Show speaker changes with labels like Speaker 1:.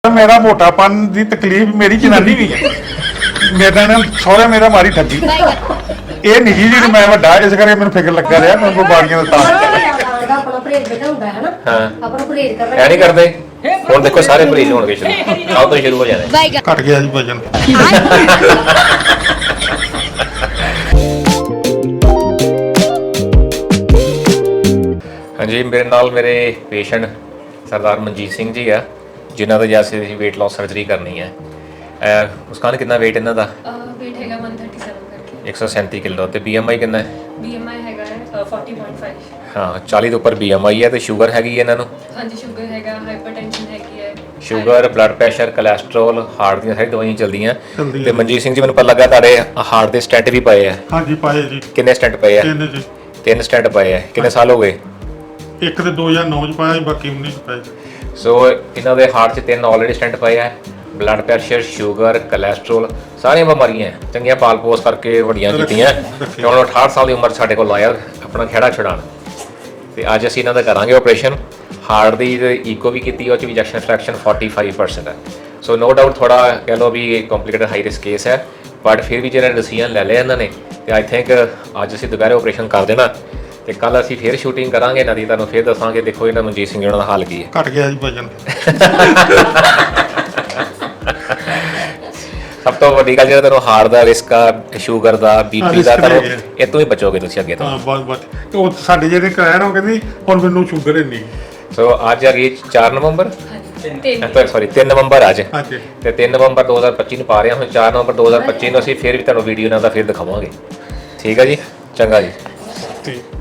Speaker 1: मेरा मोटापन की तकलीफ मेरी जनानी भी है मेरे नाल सौरे मेरा मारी ठगी ये निजी जी मैं वड्डा इस करके मैंने फिक्र लगा रहा मैं बीमारियां दा
Speaker 2: ਆਪਣਾ ਪਰਹੇਜ਼ ਬੇਟਾ ਹੁੰਦਾ ਹੈ ਨਾ
Speaker 3: ਹਾਂ
Speaker 2: ਆਪਣਾ ਪਰਹੇਜ਼ ਕਰਨਾ
Speaker 3: ਐ ਨਹੀਂ ਕਰਦੇ ਹੁਣ ਦੇਖੋ ਸਾਰੇ ਪਰਹੇਜ਼ ਹੋਣਗੇ ਸ਼ੁਰੂ ਆਓ ਤੋਂ ਸ਼ੁਰੂ ਹੋ ਜਾਣਾ
Speaker 1: घट गया जी वजन
Speaker 3: ਹਾਂਜੀ ਮੇਰੇ ਨਾਲ ਮੇਰੇ ਪੇਸ਼ੈਂਟ ਸਰਦਾਰ ਮਨਜੀਤ ਸਿੰਘ ਜੀ ਆ ਜਿਨ੍ਹਾਂ ਦਾ ਜੈਸੇ ਅਸੀਂ weight loss ਸਰਜਰੀ ਕਰਨੀ ਹੈ ਮੁਸਕਾਨ ਕਿੰਨਾ weight ਇਹਨਾਂ ਦਾ
Speaker 4: weight ਹੈਗਾ 137 ਕਰਕੇ
Speaker 3: 137 ਕਿਲੋ ਤੇ BMI ਕਿੰਨਾ ਹੈ
Speaker 4: BMI ਹੈਗਾ 40.5
Speaker 3: ਹਾਂ 40 ਦੇ ਉੱਪਰ BMI ਹੈ ਤੇ ਸ਼ੂਗਰ ਹੈਗੀ ਹੈ ਇਹਨਾਂ ਨੂੰ
Speaker 4: ਹਾਂਜੀ ਸ਼ੂਗਰ ਹੈਗਾ ਹਾਈਪਰਟੈਂਸ਼ਨ ਹੈਗੀ ਹੈ
Speaker 3: sugar blood pressure cholesterol heart ਦੀਆਂ ਸਾਰੀ ਦਵਾਈਆਂ ਚੱਲਦੀਆਂ
Speaker 1: ਚੱਲਦੀਆਂ
Speaker 3: ਤੇ ਮਨਜੀਤ ਸਿੰਘ ਜੀ ਮੈਨੂੰ ਪਤਾ ਲੱਗਾ ਤੁਹਾਡੇ ਹਾਰਟ ਦੇ ਸਟੈਂਟ ਵੀ ਪਏ ਆ
Speaker 1: हाँ जी पाए जी
Speaker 3: ਕਿੰਨੇ ਸਟੈਂਟ ਪਏ ਆ
Speaker 1: तीन जी
Speaker 3: 3 ਸਟੈਂਟ ਪਏ ਆ ਕਿੰਨੇ ਸਾਲ ਹੋ ਗਏ
Speaker 1: एक तो 2009 च पाया जी बाकी 19 च पाया
Speaker 3: ਸੋ ਇਹਨਾਂ ਦੇ ਹਾਰਟ 'ਚ 3 ਆਲਰੇਡੀ ਸਟੈਂਟ ਪਏ ਆ ਬਲੱਡ ਪ੍ਰੈਸ਼ਰ ਸ਼ੂਗਰ ਕੋਲੇਸਟ੍ਰੋਲ ਸਾਰੀਆਂ ਬਿਮਾਰੀਆਂ ਚੰਗੀਆਂ ਪਾਲ ਪੋਸ ਕਰਕੇ ਵੱਡੀਆਂ ਕੀਤੀਆਂ ਤੇ ਹੁਣ 68 ਸਾਲ ਦੀ ਉਮਰ ਸਾਡੇ ਕੋਲ ਆਇਆ ਆਪਣਾ ਖਹਿੜਾ ਛੁਡਾਉਣ ਤੇ ਅੱਜ ਅਸੀਂ ਇਹਨਾਂ ਦਾ ਕਰਾਂਗੇ ਆਪਰੇਸ਼ਨ ਹਾਰਟ ਦੀ ਈਕੋ ਵੀ ਕੀਤੀ ਉਹ 'ਚ ਵੀ ਇੰਜੈਕਸ਼ਨ ਫ੍ਰੈਕਸ਼ਨ 45% ਹੈ ਸੋ ਨੋ ਡਾਊਟ ਥੋੜਾ ਕਹਿ ਲਓ ਵੀ ਕੰਪਲਿਕੇਟਡ ਹਾਈ ਰਿਸਕ ਕੇਸ ਹੈ ਬਟ ਫਿਰ ਵੀ ਜਿਹੜਾ ਡਿਸੀਜਨ ਲੈ ਲਿਆ ਇਹਨਾਂ ਨੇ ਤੇ ਆਈ ਥਿੰਕ ਅੱਜ ਅਸੀਂ ਦੁਪਹਿਰੇ ਆਪਰੇਸ਼ਨ ਕਰ ਦੇਣਾ ਤੇ ਕੱਲ ਅਸੀਂ ਫਿਰ ਸ਼ੂਟਿੰਗ ਕਰਾਂਗੇ ਇਹਨਾਂ ਦੀ ਤੁਹਾਨੂੰ ਫਿਰ ਦੱਸਾਂਗੇ ਦੇਖੋ ਇਹਨਾਂ ਮਨਜੀਤ ਸਿੰਘ ਜੀ ਦਾ ਹਾਲ ਕੀ ਹੈ
Speaker 1: घट गया जी वजन
Speaker 3: ਸਭ ਤੋਂ ਵੱਡੀ ਗੱਲ ਜਿਹੜਾ ਤੁਹਾਨੂੰ ਹਾਰਟ ਦਾ ਰਿਸਕ ਆ ਸ਼ੂਗਰ ਦਾ ਬੀਪੀ ਦਾ
Speaker 1: risk
Speaker 3: ਤੁਹਾਨੂੰ
Speaker 1: ਹੈਗੇ ਆ।
Speaker 3: ਇਹ ਤੋਂ ਹੀ ਬਚੋਗੇ ਤੁਸੀਂ ਅੱਗੇ ਤੋਂ
Speaker 1: हाँ बस बस तो साडे जेडे कराया ना कहंदी हुण मैनूं शुगर है नहीं
Speaker 3: ਸੋ ਅੱਜ ਆ ਗਈ 4 ਨਵੰਬਰ
Speaker 4: ਤਿੰਨ
Speaker 3: ਸੌਰੀ 3 ਨਵੰਬਰ ਅੱਜ
Speaker 1: हाँ जी
Speaker 3: ਤੇ 3 ਨਵੰਬਰ 2025 ਨੂੰ ਪਾ ਰਹੇ ਹਾਂ ਹੁਣ 4 ਨਵੰਬਰ 2025 ਨੂੰ ਅਸੀਂ ਫਿਰ ਵੀ ਤੁਹਾਨੂੰ ਵੀਡੀਓ ਨਾਲ ਦਾ ਫਿਰ ਦਿਖਾਵਾਂਗੇ ਠੀਕ ਆ ਜੀ ਚੰਗਾ ਜੀ
Speaker 1: ठीक